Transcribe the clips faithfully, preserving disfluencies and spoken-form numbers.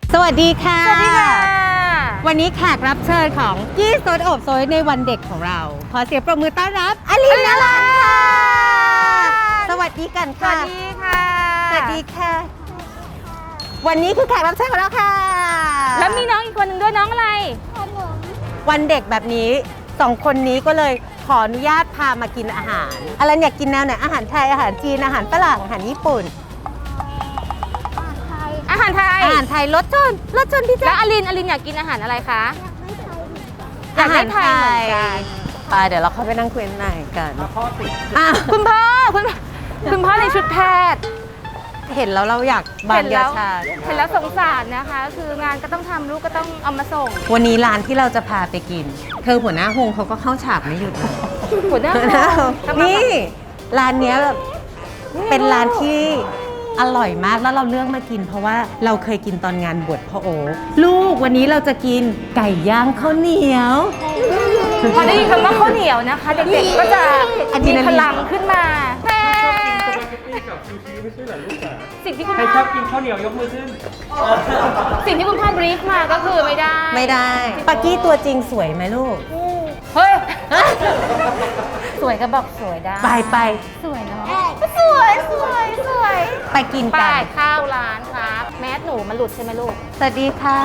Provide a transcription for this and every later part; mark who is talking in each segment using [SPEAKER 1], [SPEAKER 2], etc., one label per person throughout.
[SPEAKER 1] สวัสดีค่ะสวัสดีค่ะ
[SPEAKER 2] วันนี้แขกรับเชิญของกี้โซดอบโซยในวันเด็กของเราขอเสียงปรบมือต้อนรับอลินนรันค่ะสวัสดีกันค่ะ
[SPEAKER 1] สวัสดีค่ะ
[SPEAKER 2] สวัสดีค่ะวันนี้คือแขกรับเชิญของเราค่ะ
[SPEAKER 1] แล้วมีน้องอีกคนหนึ่งด้วยน้องอะไร
[SPEAKER 2] วันเด็กแบบนี้สองคนนี้ก็เลยขออนุญาตพามากินอาหารอลันอยากกินแนวไหนอาหารไทยอาหารจีนอาหารฝรั่งอาหารญี่ปุ่น
[SPEAKER 1] อาหารไทย
[SPEAKER 2] อาหารไทยรสชนรสชนพี่
[SPEAKER 1] แล้
[SPEAKER 2] จ๊ะ
[SPEAKER 1] วอลินอลินอยากกินอาหารอะไรคะ
[SPEAKER 2] อยากได้ไทยเหมือนกันไปเดี๋ยวเราเข้าไปนั่งคุยกันหน่อยกัน
[SPEAKER 1] คุณพ่อคุณคุณพ่อในชุดแพทย์
[SPEAKER 2] เห็นแล้วเราอยากบานยาชา
[SPEAKER 1] เห็นแล้วสงสารนะคะคืองานก็ต้องทำลูกก็ต้องเอามาส่ง
[SPEAKER 2] วันนี้ร้านที่เราจะพาไปกินเธอหัวหน้าฮงเขาก็เข้าฉากไม่หยุด
[SPEAKER 1] หัวหน้า
[SPEAKER 2] นี่ร้านเนี้ยแบบเป็นร้านที่อร่อยมากแล้วเราเลือกมากินเพราะว่าเราเคยกินตอนงานบวชพ่อโอลูกวันนี้เราจะกินไก่ย่างข้าวเหนียว
[SPEAKER 1] พอได้ยินคำว่าข้าวเหนียวนะคะเด็กๆก็จะมีพลังขึ้นมาสิ่งที่คุณ
[SPEAKER 3] ใครชอบกินข้าวเหนียวยกมือขึ้น
[SPEAKER 1] สิ่งที่คุณพ่อบรีฟมาก็คือไม่ได้
[SPEAKER 2] ไม่ได้ปากี้ตัวจริงสวยไหมลูก
[SPEAKER 1] เฮ้ยสวยก็บอกสวยได้
[SPEAKER 2] ไปไป
[SPEAKER 1] สวยเนาะสวยสวยสวย
[SPEAKER 2] ไปกินกัน
[SPEAKER 1] ไปข้าวร้านครับแมสหนูมันหลุดใช่ไหมลูก
[SPEAKER 2] สวัสดีค่ะ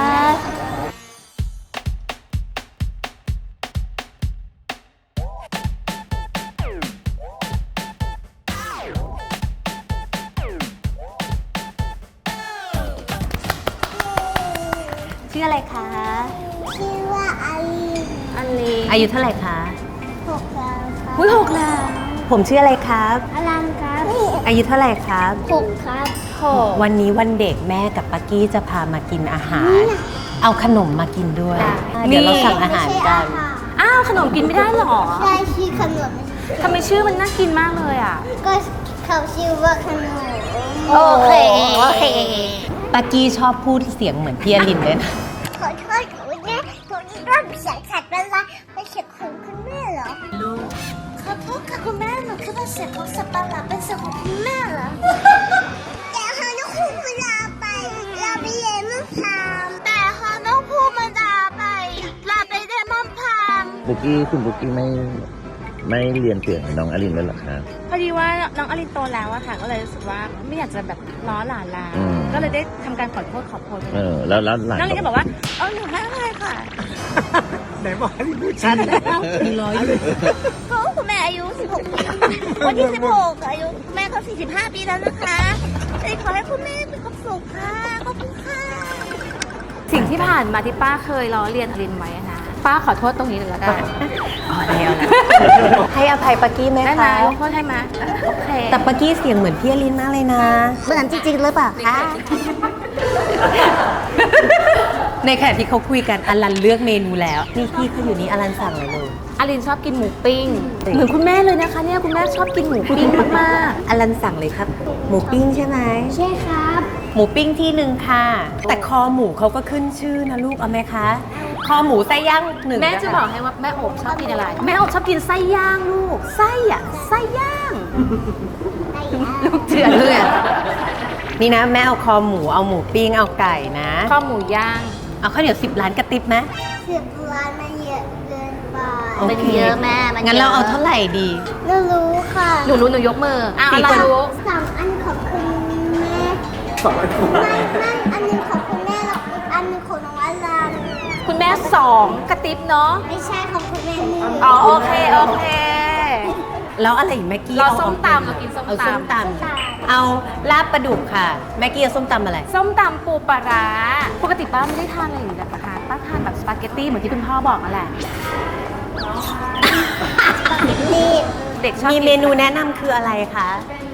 [SPEAKER 2] ชื่ออะไรคะ
[SPEAKER 4] ชื่อว่าอาลี
[SPEAKER 1] อาลี
[SPEAKER 2] อายุเท่าไหร่คะ
[SPEAKER 4] หกแล้วครับ
[SPEAKER 1] อุ้ยหกแล้ว
[SPEAKER 2] ผมชื่ออะไรครับ
[SPEAKER 4] อลันครับ
[SPEAKER 2] อายุเท่าไหร่ครับ
[SPEAKER 4] หกครับ
[SPEAKER 1] หก
[SPEAKER 2] วันนี้วันเด็กแม่กับปากี้จะพามากินอาหารเอาขนมมากินด้วยเดี๋ยวเราสั่งอาหารกัน
[SPEAKER 1] อ้าวขนมกินไม่ได้หรอ
[SPEAKER 4] ใช่ชื่อขนม
[SPEAKER 1] ทำไมชื่อมันน่ากินมากเลยอ่ะ
[SPEAKER 4] ก็เขาชื่อว่าขนม
[SPEAKER 1] โอเคโอเค
[SPEAKER 2] ปากี้ชอบพูดเสียงเหมือนพี่อลินเลยนะ
[SPEAKER 4] ขอโทษขอแม่ตัวนี้ก็เสียงขัดเวลาไปเสียงของคุณแม่เหรอลูกขอโทษค่ะคุณแม่หนูคือเป็นเสียงของสับปะรดเป็นเสียงของคุณแม่เหรอแต่เขาต้องพูดเวลาไปเราไปเรียนมั่งพามแต่เขาต้องพูดเวลาไปเราไปเรียนมั่งพาม
[SPEAKER 5] บุกี้คุณบุกี้ไม่ไม่เรียนเสียงน้องอลินแล้วหรอคะ
[SPEAKER 6] พอดีว่าน้องอลินโตแล้วอะค่ะก็เลยรู้สึกว่าไม่อยากจะแบบล้อหลานแล้วก็เลยได้ทำการขอโทษขอโพย
[SPEAKER 5] เออแล้วแล้วหลาน
[SPEAKER 6] น้องอลินก็บอกว่าเออหนูไม่อะไรค่ะ
[SPEAKER 3] ไหนบอกให้พูดชัด
[SPEAKER 2] มีร้อยอยู่
[SPEAKER 4] ก็คุณแม่อายุสิบหกวันที่สิบหกอายุแม่ก็สี่สิบห้าปีแล้วนะคะเลยขอให้คุณแม่มีความสุขค่ะขอบคุณค่ะ
[SPEAKER 1] สิ่งที่ผ่านมาที่ป้าเคยล้อเลียนอลินไว้นะป้าขอโทษตรงนี้เลยแล้วกัน
[SPEAKER 2] อ๋อแล้วให้อภัยปากี้ไหมคะ
[SPEAKER 1] ได้ไหมยกโทษให้ไหมโอเค
[SPEAKER 2] แต่ปากี้เสียงเหมือนพี่อลินมากเลยนะ
[SPEAKER 4] เหมือนจริงๆหรือเปล่าคะ
[SPEAKER 2] ในขณะที่เขาคุยกันอลันเลือกเมนูแล้วนี่พี่เขาอยู่นี่อลันสั่งอะไรเลย
[SPEAKER 1] อลินชอบกินหมูปิ้งเหมือนคุณแม่เลยนะคะเนี่ยคุณแม่ชอบกินหมูปิ้งมาก
[SPEAKER 2] ๆอลันสั่งเลยครับหมูปิ้งใช่ไหม
[SPEAKER 4] ใช่ครับ
[SPEAKER 2] หมูปิ้งที่หนึ่งค่ะแต่คอหมูเขาก็ขึ้นชื่อนะลูกเอาไหมคะคอหมูไส้ย่างหนึ่ง
[SPEAKER 1] แม่จะบอกให้ว่าแม่โอบชอบกินอะไรแม่โอบชอบกินไส้ย่างลูกไส้อะไส้ย่างลูกเจือนเลย
[SPEAKER 2] นี่นะแม่เอาคอหมูเอาหมูปิ้งเอาไก่นะ
[SPEAKER 1] คอหมูย่าง
[SPEAKER 2] เอาข้าวเหนียวสิบล้านกระติบไหม
[SPEAKER 4] สิบล้านมันเยอะเกินไป
[SPEAKER 1] มันเยอะแม่มัน
[SPEAKER 2] งั้นเราเอาเท่าไหร่ดี
[SPEAKER 4] หนูรู้ค่ะ
[SPEAKER 1] หนูรู้หนูยกมืออ้าวอะไรรู้
[SPEAKER 4] สามอันของคุณแม่สองอันไม่ไม่อันนึงของคุณแม่แล้วอีกอันนึงของน้องอลัน
[SPEAKER 1] คุณแม่สองกระติบเนาะ
[SPEAKER 4] ไม่ใช่ของคุณแม่หนึ่ง
[SPEAKER 1] อ๋อโอเคโอเค
[SPEAKER 2] แล้วอะไรอีกแม็กกี้
[SPEAKER 1] เราส้มตำเรากินส้มตำ
[SPEAKER 2] เอาส้มตำเอาลาบปลาดุกค่ะแม็กกี้เอาส้มตำอะไร
[SPEAKER 1] ส้มตำปูปลาร้าปกติป้าไม่ได้ทานอะไรอยู่แล้วนะคะป้าทานแบบสปาเกตตี้เหมือนที่คุณพ่อบอกนั่นแหละเด็กชอบ
[SPEAKER 2] มีเมนูแนะนำคืออะไรคะ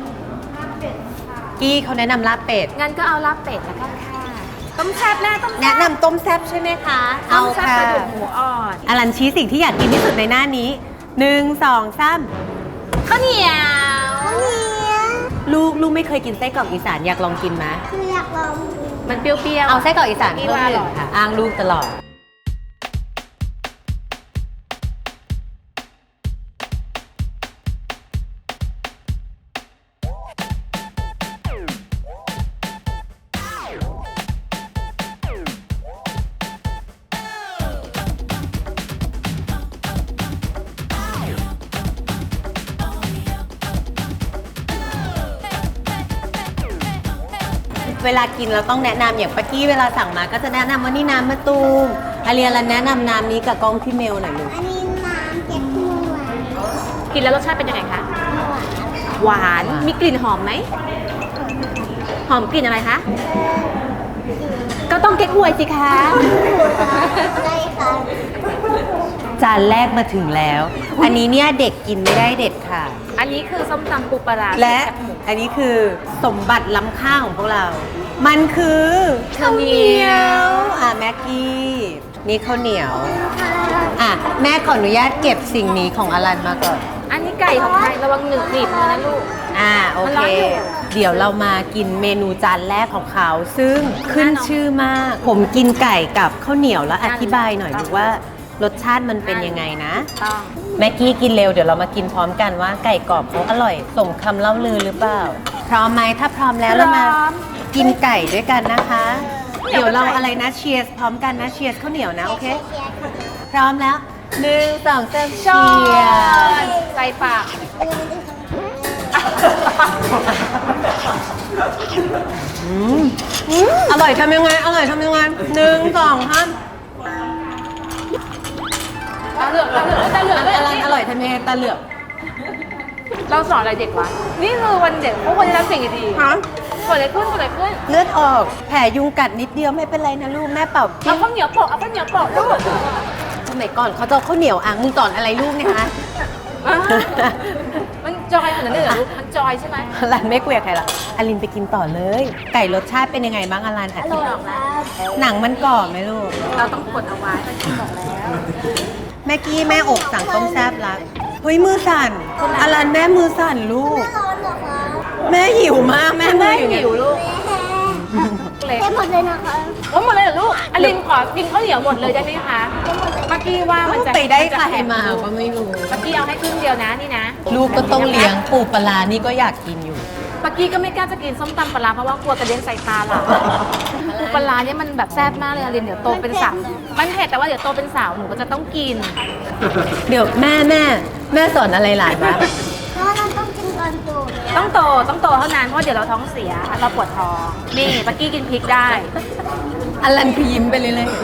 [SPEAKER 2] กี้เขาแนะนำลาบเป็ด
[SPEAKER 1] งั้นก็เอาลาบเป็ดแล้วกันค่ะต้มแซ่บแม่ต้ม
[SPEAKER 2] แนะนำต้มแซ่บใช่ไหมคะ
[SPEAKER 1] เอาค่ะปลาดุกหมูอ่อน
[SPEAKER 2] อลันชี้สิ่งที่อยากกินที่สุดในหน้านี้หนึ่งสองสาม
[SPEAKER 1] ข้าวเหนียว
[SPEAKER 4] ข้าวเหนียว
[SPEAKER 2] ลูกลูกไม่เคยกินไส้กรอกอีสานอยากลองกินไหม
[SPEAKER 4] คืออยากลอง
[SPEAKER 1] มันเปรี้ยวๆ
[SPEAKER 2] เอาไส้กรอกอีสานเพิ่มหนึ่งค่ะอ้างลูกตลอดเวลากินเราต้องแนะนำอย่างปากี้เวลาสั่งมาก็จะแนะนำว่านี่น้ำมะตูมอาเรียนแนะนำน้ำนี้กับกล้องพี่เมลหน่อยลูก
[SPEAKER 4] อันนี้น้ำเก็บหน่วย
[SPEAKER 1] กินแล้วรสชาติเป็นยังไงคะ หวาน มีกลิ่นหอมไหม หอมกลิ่นอะไรคะ ก็ต้องเก๊กฮวยสิคะ
[SPEAKER 4] ได้ค่ะ
[SPEAKER 2] จานแรกมาถึงแล้ว อันนี้เนี่ยเด็กกินไม่ได้เด็ดค่ะ
[SPEAKER 1] อันนี้คือส้มตำปูปลาร้า
[SPEAKER 2] และ
[SPEAKER 1] แซ่บหมู
[SPEAKER 2] อันนี้คือสมบัติล้ำค่าของพวกเรา มันคือ
[SPEAKER 1] ข้าวเหนียว
[SPEAKER 2] อ่ะแม็กกี้นี่ข้าวเหนียว อ่ะแม่ขออนุญาตเก็บสิ่งนี้ของอลันมาก่อน
[SPEAKER 1] อันนี้ไก่ของไทยระวังหนึ่งหนีบมือนะลูก
[SPEAKER 2] อ่าโอ
[SPEAKER 1] มัน
[SPEAKER 2] เค
[SPEAKER 1] ร้อนอยู่
[SPEAKER 2] เดี๋ยวเรามากินเมนูจานแรกของเขา ซึ่งขึ้นชื่อมาก ผมกินไก่กับข้าวเหนียวแล้วอธิบายหน่อยดูว่ารสชาติมันเป็นยังไงนะ
[SPEAKER 1] ต้อง
[SPEAKER 2] แม็กกี้กินเร็วเดี๋ยวเรามากินพร้อมกันว่าไก่กรอบเขาอร่อยสมคำเล่าลือหรือเปล่า พร้อมไหมถ้าพร้อมแล้วเรามากินไก่ด้วยกันนะคะ เดี๋ยวเราอะไรนะเชียร์พร้อมกันนะเชียร์ข้าวเหนียวนะโอเค พร้อมแล้วหนึ่งสองสามเชียร์
[SPEAKER 1] ใส่ปาก
[SPEAKER 2] อืมอร่อยทำยังไงอร่อยทำยังไงหนึ่งสองห้าม
[SPEAKER 1] ตาเหลือกตาเหลือกตาเหลือกด้วย
[SPEAKER 2] อะไรอร่อยทำยังไงตาเหลือก
[SPEAKER 1] เราสอนอะไรเด็กวะ นี่คือวันเด็กพวกคนที่รับสิ่งดี
[SPEAKER 2] ฮะ
[SPEAKER 1] ๆเกิดอะไรขึ้นเกิดอะไรขึ้น
[SPEAKER 2] เลือดออกแผลยุงกัดนิดเดียวไม่เป็นไรนะลูกแม่เป่า
[SPEAKER 1] เอาข้าวเหนียวโปะเอาข้าวเหนียวโปะลูก
[SPEAKER 2] สมัยก่อนเขาจะเอาข้าวเหนียวอ่างมึงสอนอะไรลูกเนี่ยฮะ
[SPEAKER 1] อ่ามันจอยขนาดนี้เหรอลูก มันจอยใช่ไหม
[SPEAKER 2] อลันไม่คุยกับใครละอลินไปกินต่อเลย ไก่รสชาติเป็นยังไงบ้างอลันอธิบายหนังมันกรอบไหมลูก
[SPEAKER 1] เราต้องกดเอาไว้ที่บอกแล้ว
[SPEAKER 2] แม่กี้แม่อกสั่งต้มแซ่บรักเฮ้ยมือสั่นอลันแม่มือสั่นลูก
[SPEAKER 4] ร้อนเหรอคะ
[SPEAKER 2] แม่หิวมากแม่มืออย่างเงี้ย
[SPEAKER 1] หิวลูก เล็ก
[SPEAKER 4] ได้หมดเลยนะคะ
[SPEAKER 1] โอ้หมดเลยเหรอลูกอลินขอกินข้าวเหนียวหมดเลยได้ไหมคะ เมื่อกี้ว่ามันจะ
[SPEAKER 2] ไปได้
[SPEAKER 1] นจะ
[SPEAKER 2] ใครมาก็ไม่รู้
[SPEAKER 1] เมื่อกี้เอาให้ครึ่งเดียวนะนี่นะ
[SPEAKER 2] ลูกก็ต้องเลี้ยงปูปลาร้านี่ก็อยากกินอยู่
[SPEAKER 1] เมื่อกี้ก็ไม่กล้าจะกินส้มตำปลาร้าเพราะว่ากลัวกระเด็นใส่ตาหล่ะปูปลาร้าเนี่ยมันแบบแซ่บมากเลยอลินเดี๋ยวโตเป็นสาวมันเผ็ดแต่ว่าเดี๋ยวโตเป็นสาวหนูก็จะต้องกิน
[SPEAKER 2] เดี๋ยวแม่แม่แม่สอนอะไรหลานวะ
[SPEAKER 4] เพราะเราต้องกินก่อนโตเลย
[SPEAKER 1] ต้องโตต้องโตเท่านั้นเพราะเดี๋ยวเราท้องเสียเราปวดท้องนี่เมื่อกี้กินพริกได้
[SPEAKER 2] อลันคือยิ้มไปเลยเลย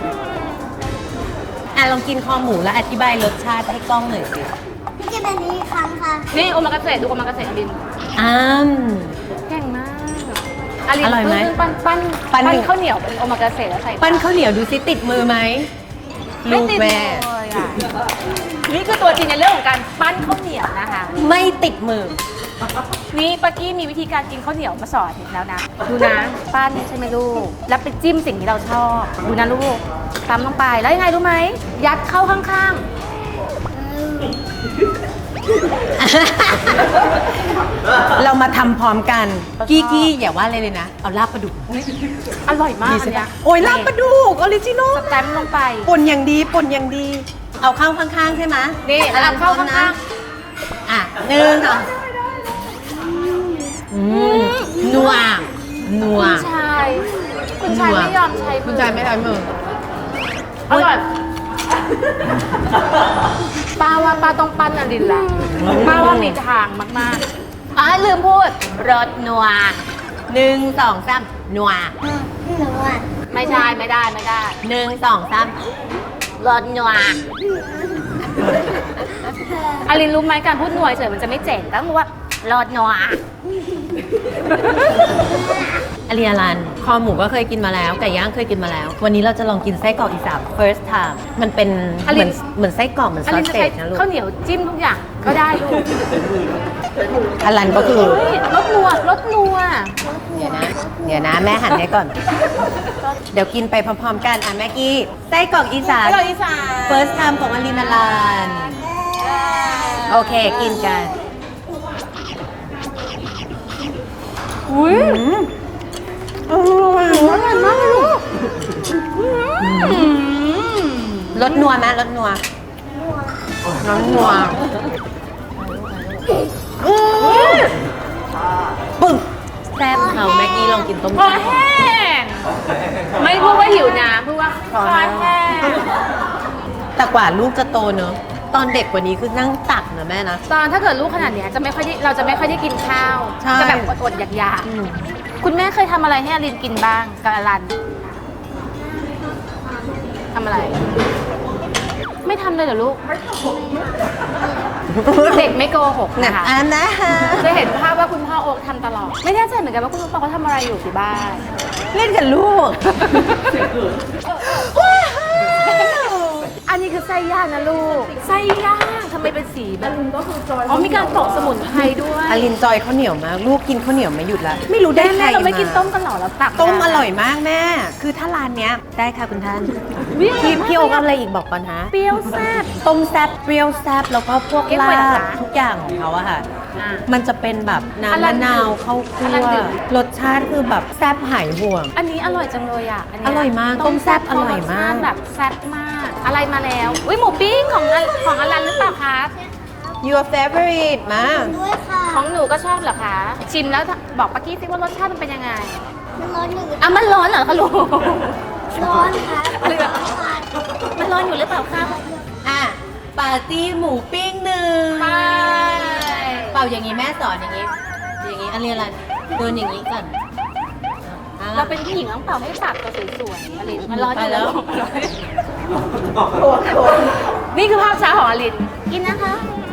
[SPEAKER 2] อ่ะลองกินคอหมูแล้วอธิบายรสชาติให้กล้องหน่อยสิ
[SPEAKER 4] พี่จะแบบนี้อีกครั้งค่ะ
[SPEAKER 1] นี่โอมากาเสะดูโอมากาเสะอลิน
[SPEAKER 2] อ้าม
[SPEAKER 1] เก่งมากอลิน
[SPEAKER 2] อร่อยไหม
[SPEAKER 1] เพิ่งปั้นปั้น
[SPEAKER 2] ปั้นหนึ่ง
[SPEAKER 1] ข้าวเหนียวเป็นโอมากาเสะแล้วใส่
[SPEAKER 2] ปั้นข้าวเหนียวดูซิติดมือไหม
[SPEAKER 1] ไม่
[SPEAKER 2] ลูก
[SPEAKER 1] ติด
[SPEAKER 2] แม่
[SPEAKER 1] เลยอ่ะนี่คือตัวจริงในเรื่องของการปั้นข้าวเหนียวนะคะ
[SPEAKER 2] ไม่ติดมือ
[SPEAKER 1] นี่ปากี้มีวิธีการกินข้าวเหนียวมาสอนแล้วนะ ดูนะปั้นใช่ไหมลูก แล้วไปจิ้มสิ่งที่เราชอบ ดูนะลูกตำลงไป แล้วยังไงรู้ไหม ยัดเข้าข้าง
[SPEAKER 2] เรามาทำพร้อมกัน กี้กี้อย่าว่าอะไรเลยนะ เอาลาบปลาดุก
[SPEAKER 1] ๆ อร่อยมาก
[SPEAKER 2] ดี
[SPEAKER 1] อั
[SPEAKER 2] ใช่
[SPEAKER 1] นเนี้
[SPEAKER 2] ปะ
[SPEAKER 1] ย
[SPEAKER 2] โอ้ยลาบปลาดุกออริจินอล
[SPEAKER 1] สแตมป์ลงไป
[SPEAKER 2] ป่นอย่างดีป่นอย่างดี เอาเข้าข้างๆใช่ไหม
[SPEAKER 1] นี่
[SPEAKER 2] อลัน
[SPEAKER 1] เอาเข้า
[SPEAKER 2] พร้อมนะ
[SPEAKER 1] ข้าง
[SPEAKER 2] อ่ะหนึ่งสองอืมนัวนัว
[SPEAKER 1] คุณชาย คุณชายไม่ยอมใช้มือ
[SPEAKER 2] คุณชายไม่ใช้มือ
[SPEAKER 1] อร่อยป้าว่าป้าต้องปั้นอลินละป้าว่ามีทางมากๆอ๋อลืมพูด รสนัว
[SPEAKER 2] หนึ่งสองสามนัว
[SPEAKER 4] หนูอ่ะ
[SPEAKER 1] ไม่ใช่ไม่ได้ไม่ได้
[SPEAKER 2] หนึ่งสองสาม
[SPEAKER 1] รสนัวอลินรู้ไหมการพูดนัวเฉยมันจะไม่เจ๋งต้องรู้ว่ารสนัว
[SPEAKER 2] อเรียรันคอหมูก็เคยกินมาแล้ว ไก่ย่างเคยกินมาแล้ว วันนี้เราจะลองกินไส้กรอกอีสาน first time มันเป็น
[SPEAKER 1] อ
[SPEAKER 2] เห
[SPEAKER 1] ลิ
[SPEAKER 2] มือน นเหมือนไส้กรอกเหมือน
[SPEAKER 1] อ
[SPEAKER 2] ซอ
[SPEAKER 1] ลิ
[SPEAKER 2] ส
[SPEAKER 1] นจะ
[SPEAKER 2] เศ
[SPEAKER 1] ใช้
[SPEAKER 2] ษนะลูก
[SPEAKER 1] ข้าวเหนียวจิ้มทุกอย่างก็ได้ลูก
[SPEAKER 2] อลันก็คือ
[SPEAKER 1] เฮ้ยรสนัวรสนัว
[SPEAKER 2] เดี๋ยวนะ เดี๋ยวนะ แม่หันให้ก่อน เดี๋ยวกินไปพร้อมๆกันอ่ะแม่กี้ไส้กรอกอีสาน
[SPEAKER 1] อร่อยอีสาน
[SPEAKER 2] first time ของอลินอลันโอเคกินกัน
[SPEAKER 1] อุ้ยอร่อยอร่อยมากเลยลูก
[SPEAKER 2] รสนัวไหมรสนัวรสนัวปึ้งแซ่บเขาแม็กกี้ลองกินต้ม
[SPEAKER 1] คอ
[SPEAKER 2] แซ่บ
[SPEAKER 1] แห้งไม่พูดว่าหิวน้ำพูดว่าคอแห้ง
[SPEAKER 2] แต่กว่าลูกจะโตเนอะตอนเด็กกว่านี้คือนั่งตักนะแม่นะ
[SPEAKER 1] ตอนถ้าเกิดลูกขนาดเนี้ยจะไม่ค่อยได้เราจะไม่ค่อยได้กินข้าว
[SPEAKER 2] ใช่
[SPEAKER 1] จะแบบอดๆอยาก
[SPEAKER 2] อืม
[SPEAKER 1] คุณแม่เคยทำอะไรให้อลินกินบ้างกับอลันทำอะไร ไม่ทำเลยเหรอลูก เด็กไม่โกหกนะคะ
[SPEAKER 2] อันนะฮะ
[SPEAKER 1] จะเห็นภาพว่าคุณพ่อโอ๊คทำตลอด ไม่แน่ใจเหมือนกันว่าคุณพ่อเขาทำอะไรอยู่ที่บ้าน
[SPEAKER 2] เล่นกับลูก
[SPEAKER 1] อันนี้คือไส้ย่างนะลูก ไส้ย่างทำไมเป็นสีแบบก็คือจอยอ๋อมีการปอกสมุนไพรด้วย
[SPEAKER 2] อลินจอยข้าวเหนียวมาก ลูกกินข้าวเหนียวไม่หยุดละไม่รู้ได้
[SPEAKER 1] แม่
[SPEAKER 2] ใคร
[SPEAKER 1] แม่เราไม่
[SPEAKER 2] มา
[SPEAKER 1] กินต้มกันเหรอเราตัก
[SPEAKER 2] ต้ม
[SPEAKER 1] นะ
[SPEAKER 2] อร่อยมากแม่ คือถ้าร้านเนี้ยได้ค่ะคุณท่าน
[SPEAKER 1] อุ๊ย
[SPEAKER 2] พี่
[SPEAKER 1] อร่อยมาก
[SPEAKER 2] พี่โอ๊คเอาอะไรอีกบอกก่อนฮะ
[SPEAKER 1] เปรี้ยวแซ่บ
[SPEAKER 2] ต้มแซ่บเปรี้ยวแซ่บแล้วก็พวก
[SPEAKER 1] เก๊ก
[SPEAKER 2] ลา
[SPEAKER 1] ฮวยเหรอ
[SPEAKER 2] บ
[SPEAKER 1] คะ
[SPEAKER 2] ทุกอย่างของเขาอะค่ะ
[SPEAKER 1] อ่า
[SPEAKER 2] มันจะเป็นแบบ
[SPEAKER 1] อลั
[SPEAKER 2] น้ำมะ
[SPEAKER 1] น
[SPEAKER 2] นาวข้าวคั่
[SPEAKER 1] อลัน
[SPEAKER 2] ว
[SPEAKER 1] ดื่ม
[SPEAKER 2] รสชาติคือแบบแซ่บหายห่วง
[SPEAKER 1] อันนี้อร่อยจังเลยอ่ะนเนี้
[SPEAKER 2] อร่อยมากต้มแซ่บอร่อยมาก
[SPEAKER 1] สชติแบบแซ่บมาก อะไรมาแล้ว อุ้ยหมูปิ้งของอของอลันหรือเปล่าคะ
[SPEAKER 2] your favorite มา
[SPEAKER 4] ด้วยค่ะ
[SPEAKER 1] ของหนูก็ชอบเหรอคะ ชิมแล้วบอกป้ากี้สิว่ารสชาติมันเป็นยังไง
[SPEAKER 4] มันร้อนอยู่
[SPEAKER 1] อ่ะมันร้อนเหรอคะลูก
[SPEAKER 4] ร้อนค่ะ
[SPEAKER 1] เหลือ มันร้อนอยู่หรือเปล่าคะ
[SPEAKER 2] อ่ะปาร์ตี้หมูปิ้งหนึ่ง
[SPEAKER 1] ไป
[SPEAKER 2] เป่าอย่างนี้แม่สอนอย่างนี้ อย่างนี้อะไรอะไรโดนอย่างนี้ก่อนอ่ะ
[SPEAKER 1] เราเป็นผู้หญิงต้องเป่าให้ปากเราสวยๆอลินมันร้อนอยู่
[SPEAKER 2] ไปแล้ว
[SPEAKER 1] นี่คือภาพช้าของอลิน กินนะคะ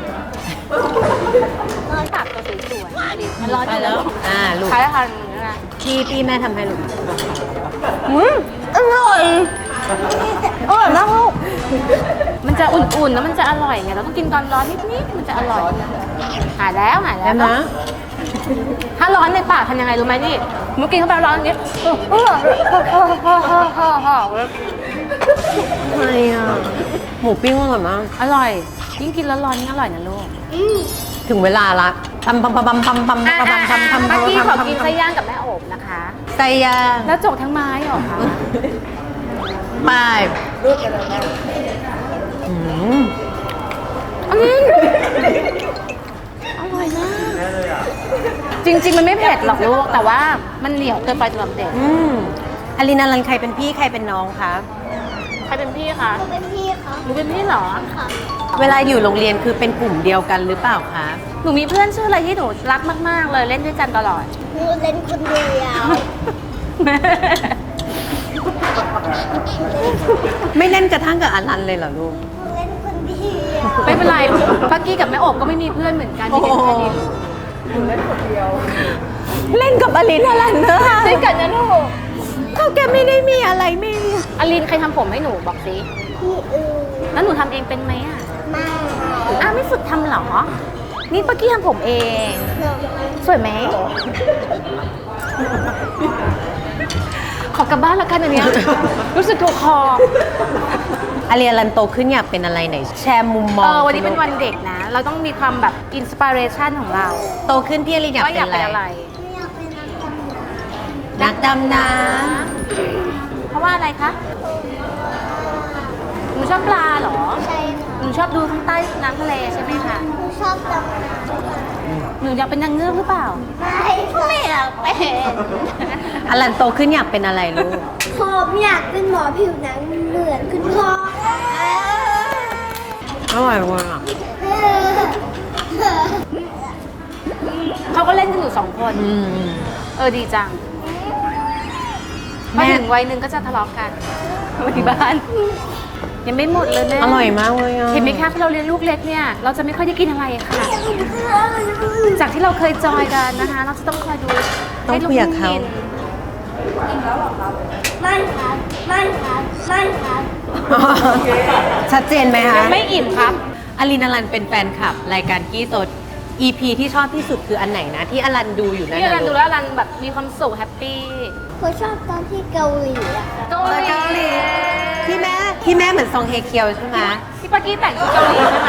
[SPEAKER 1] ร้อนปากเราสวยๆอลินมันร้อน
[SPEAKER 2] ไป
[SPEAKER 1] อยู่
[SPEAKER 2] แล้วอ่าลูก
[SPEAKER 1] ใช้ทางนี้นะ
[SPEAKER 2] พี่พี่แม่ทำให้ลูก
[SPEAKER 1] อืมอร่อยอร่อยมากลูกมันจะอุ่นๆแล้วมันจะอร่อยไงเราต้องกินตอนร้อนนิดๆมันจะอร่อยหายแล้วหายแล้
[SPEAKER 2] แล้ว วนะ
[SPEAKER 1] ถ้าร้อนในปากทำยังไงรู้ไหมนี่เมื่อกี้เข้าไปร้อนอย่างนี้เออเออเออเออเออเออเออ
[SPEAKER 2] ทำไมอ่ะหมูปิ้งอร่อยมาก
[SPEAKER 1] อร่อยยิ่งกินแล้วร้อนยิ่งอร่อยนะลูก
[SPEAKER 2] ถึงเวลาละปั๊มปั๊มปั๊มปั๊มปั๊มปั๊มปั๊มปั๊มปั๊มปั๊ม
[SPEAKER 1] เมื่อกี้ขอกินไส้
[SPEAKER 2] ปั๊ม
[SPEAKER 1] ย่างกับแม่โอบนะคะ
[SPEAKER 2] ไส้ย่าง
[SPEAKER 1] แล้วจกทั้งไม้เหรอคะ
[SPEAKER 2] ไปอืม
[SPEAKER 1] อันนี้อร่อยมากจริงๆมันไม่เผ็ดหรอกลูกแต่ว่ามันเหนียวเกินไปสำหรับเด็ก
[SPEAKER 2] อืมอลินาลันใครเป็นพี่ใครเป็นน้องคะ
[SPEAKER 1] ใครเป็นพี่คะ
[SPEAKER 4] หนูเป็นพี่เขา
[SPEAKER 1] หนูเป็นพี่เหรอ
[SPEAKER 4] ค่ะ
[SPEAKER 2] เวลาอยู่โรงเรียนคือเป็นกลุ่มเดียวกันหรือเปล่าคะ
[SPEAKER 1] หนูมีเพื่อนชื่ออะไรที่หนูรักมากๆเลยเล่นด้วยกันตลอด
[SPEAKER 4] หนูเล่นคนเดียว
[SPEAKER 1] แม่
[SPEAKER 2] ไม่เล่นกระทั่งกับอลันเลยเหรอลูก
[SPEAKER 4] หนูเล่นคนเดียว
[SPEAKER 1] ไม่เป็นไรปักกี้กับแม่โอบก็ไม่มีเพื่อนเหมือนกันมีแค่แค่นี้
[SPEAKER 2] เล่นกับอลินอลันเนอะ
[SPEAKER 1] ด้วยกันนะลูก
[SPEAKER 2] เขาแกไม่ได้มีอะไรไม่มี
[SPEAKER 1] อลินใครทำผมให้หนูบอกสิ
[SPEAKER 4] พี่อือ
[SPEAKER 1] แล้วหนูทำเองเป็นไหมอ่ะ
[SPEAKER 4] มา
[SPEAKER 1] อ้าวไม่ฝึกทำเหรอ นี่ปักกี้ทำผมเอง
[SPEAKER 4] หนู
[SPEAKER 1] สวยไหม ขอกลับบ้านแล้วกันอันเนี้ย รู้สึกถูกคอ
[SPEAKER 2] อลินอลันโตขึ้นอยากเป็นอะไรไหน แชร์มุมมอ
[SPEAKER 1] เอง อวันนี้เป็นวันเด็กนะ เราต้องมีความแบบอินสปิเรชันของเรา
[SPEAKER 2] โตขึ้นพี่อลินอยาก
[SPEAKER 1] ว่า
[SPEAKER 2] เป็
[SPEAKER 1] อน ยาก
[SPEAKER 2] อะไร
[SPEAKER 1] เป็นอะไร
[SPEAKER 4] ไม่อยากเป็นนักดำน้
[SPEAKER 2] นักดำน้
[SPEAKER 1] เพราะว่าอะไรคะ หนูชอบปลาเหรอ
[SPEAKER 4] ำใช่ค่ะ
[SPEAKER 1] หนูชอบดูข้างใต้น้ำทะเลใช่ไหมคะ
[SPEAKER 4] หนูชอบดำน้
[SPEAKER 1] หนูอยากเป็นนางเงือกหรือเปล่า
[SPEAKER 4] ำไม่ไม่อยากเป็น
[SPEAKER 2] ำอลันโตขึ้นอยากเป็นอะไรลูก
[SPEAKER 4] ผมอยากเป็นหมอผิวหนังเหมือนคุณพ่อ
[SPEAKER 2] อร่อยว่ะ
[SPEAKER 1] เขาก็เล่นกันอยู่สองคน
[SPEAKER 2] อืม
[SPEAKER 1] เออดีจัง
[SPEAKER 2] แม่
[SPEAKER 1] มาถึงวัยหนึ่งก็จะทะเลาะกันมาที่บ้าน ยังไม่หมดเลยแม่
[SPEAKER 2] อร่อยมากเลยอ่ะ
[SPEAKER 1] เห็นไหมคะพอเราเลี้ยงลูกเล็กเนี่ย เราจะไม่ค่อยได้กินอะไรค่ะ จากที่เราเคยจอยกันนะคะ เราจะต้องคอยดู
[SPEAKER 2] ต้อง
[SPEAKER 1] ให้ลูก
[SPEAKER 2] คุยกับเขา
[SPEAKER 1] กิน
[SPEAKER 4] ไม่ครับไม่ครับไม่ครับ
[SPEAKER 2] ชัดเจนไหมคะ
[SPEAKER 1] ยังไม่อิ่มครับ
[SPEAKER 2] อลินอลันเป็นแฟนคลับ รายการกี้สด อี พี ที่ชอบที่สุดคืออันไหนนะ ที่อลันดูอยู่นั่น
[SPEAKER 1] นี่รัน
[SPEAKER 2] นะ
[SPEAKER 1] ดู
[SPEAKER 2] ลูก
[SPEAKER 1] แล้วรันแบบมีความสุขแฮปปี้
[SPEAKER 4] ผมชอบตอนที่เกาหลีอะค่ะ
[SPEAKER 1] เกา
[SPEAKER 2] เออเกาหลีที่แม่ที่แม่เหมือนซองเฮเคียวใช่ไหม
[SPEAKER 1] พี่ปากี้แต่งชุดเกาหลีใช่ไหม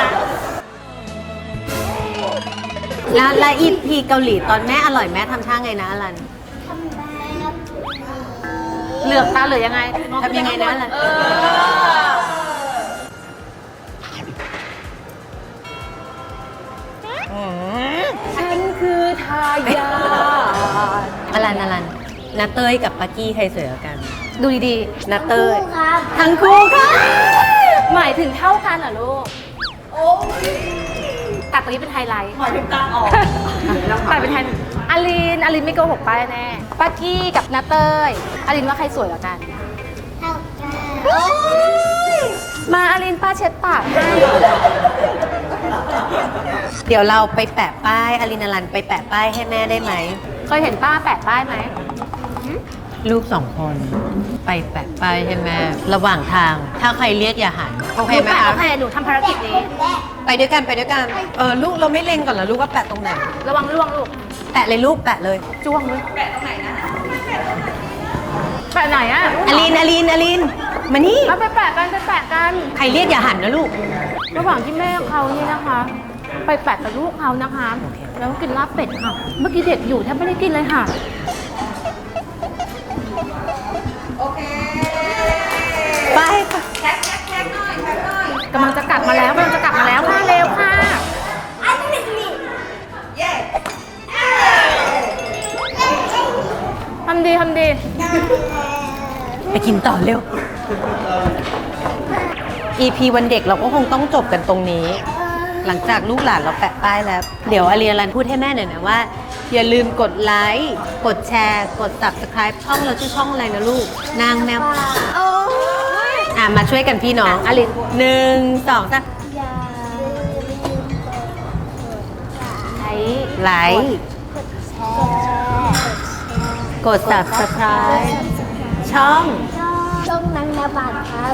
[SPEAKER 2] แล้วและอีพีเกาหลีตอนแม่อร่อยแม่ทำท่าไงนะอลัน
[SPEAKER 4] ทำแบบ
[SPEAKER 1] เหลือกตาเหลือยังไงมอ
[SPEAKER 2] ทำยังไงนะล่ะ
[SPEAKER 1] เออ ฉันคือทายาท
[SPEAKER 2] อลันอลันนาเต้ยกับปากกี้ใครสวยกว่ากัน
[SPEAKER 1] ดูดี
[SPEAKER 2] นาเต้ย
[SPEAKER 4] คู่ครับ
[SPEAKER 2] ทั้งคู่ค่ะ
[SPEAKER 1] ๆ หมายถึงเท่ากันเหรอลูก ตัดตรงนี้เป็นไฮไลท์หมายถึงตาออกตัดเป็นไฮไลท์อ่ะอลินอลินไม่โกหกป้าแน่ป้ากี้กับนาเต้ยอลินว่าใครสวยกว่ากัน
[SPEAKER 4] เท่ากัน
[SPEAKER 1] มาอลินป้าเช็ดปากให้
[SPEAKER 2] เดี๋ยวเราไปแปะป้ายอลินารันไปแปะป้ายให้แม่ได้ไหม
[SPEAKER 1] เคยเห็นป้าแปะป้ายไหม
[SPEAKER 2] ลูกสองคนไปแปะป้ายให้แม่ ระหว่างทาง ถ้าใครเรียกอย่าหันโอ
[SPEAKER 1] ห
[SPEAKER 2] เค
[SPEAKER 1] นู
[SPEAKER 2] ไหม
[SPEAKER 1] แปะ
[SPEAKER 2] คะ
[SPEAKER 1] โอเคหนูทำภารกิจนี้
[SPEAKER 2] ไปด้วยกันไปด้วยกันเออลูกเราไม่เล็งก่อนเหรอลูกว่าแปะตรงไหน
[SPEAKER 1] ระวังล่วงลูก
[SPEAKER 2] แปะเลยลูกแปะเลย
[SPEAKER 1] จ้วงเลยแปะตรงไหนนะแปะไหนอะ
[SPEAKER 2] อลินอลินอลินมานี่
[SPEAKER 1] มาไปแปะกันไปแปะกัน
[SPEAKER 2] ใครเรียกอย่าหันนะลูก
[SPEAKER 1] ระหว่างที่แม่เขานี่นะคะ ไปแปะกับลูกเขานะคะ แล้วกินลาบเป็ดค่ะ เมื่อกี้เด็กอยู่แทบไม่ได้กินเลยค่ะ
[SPEAKER 2] ไป
[SPEAKER 1] กำลังจะกลับมาแล้วกำลังจะกลับมาแล้วค่ะเร็วค่ะ
[SPEAKER 4] อันนี้นี่
[SPEAKER 1] ทำดีทำดี
[SPEAKER 2] ไปกินต่อเร็ว อี พี วันเด็กเราก็คงต้องจบกันตรงนี้ หลังจากลูกหลานเราแปะป้ายแล้ว เดี๋ยวอาเรียรันพูดให้แม่หน่อยนะว่า อย่าลืมกดไลค์ กดแชร์ กด subscribe ช่องเราชื่อช่องอะไรนะลูก นางแมวอ่ะมาช่วยกันพี่น้องอาลินหนึ่งสองสาม
[SPEAKER 4] อย่าลืม
[SPEAKER 1] ใช้
[SPEAKER 2] ไลค์
[SPEAKER 4] กดแชร์
[SPEAKER 2] กด subscribe ช่อง
[SPEAKER 4] ช่องนางนาบานครับ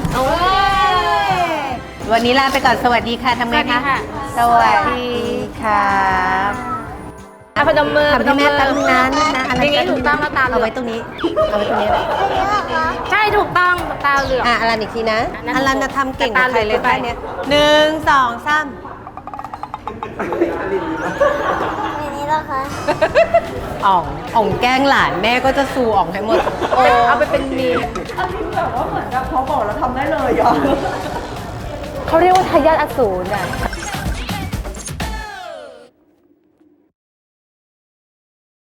[SPEAKER 2] วันนี้ลาไปก่อนสวัสดีค่ะทำไงคะ สวัสดีครับ
[SPEAKER 1] อ่ะพนมมือ
[SPEAKER 2] ทำให้แม่ตั้งนั้นนะอะไร
[SPEAKER 1] อย่างนี้ถูกต้องแล้วตาเหลื
[SPEAKER 2] เอา
[SPEAKER 1] อก
[SPEAKER 2] ไว้ตรงนี้ เอาไว้ตรงนี้
[SPEAKER 1] ใช่ถูกต้องตาเหลือก
[SPEAKER 2] อ่ะอลันอีกทีนะ
[SPEAKER 1] อันนั้น
[SPEAKER 2] อลันจะทำเก่งกว่าใครเลย
[SPEAKER 1] ไป
[SPEAKER 2] ป้ายเนี้ยหนึ่งสองสาม
[SPEAKER 4] อย่างนี้เหรอคะ
[SPEAKER 2] อ่องอ่องแกล้งหลานแม่ก็จะซูอ่องให้หมด
[SPEAKER 1] โอ้เอาไปเป็นมีม
[SPEAKER 7] แบบว่าเหมือนกับพอบอกแล้วทำได้เลยอ่ะ
[SPEAKER 1] เขาเรียกว่าทายาทอสูรอ่ะ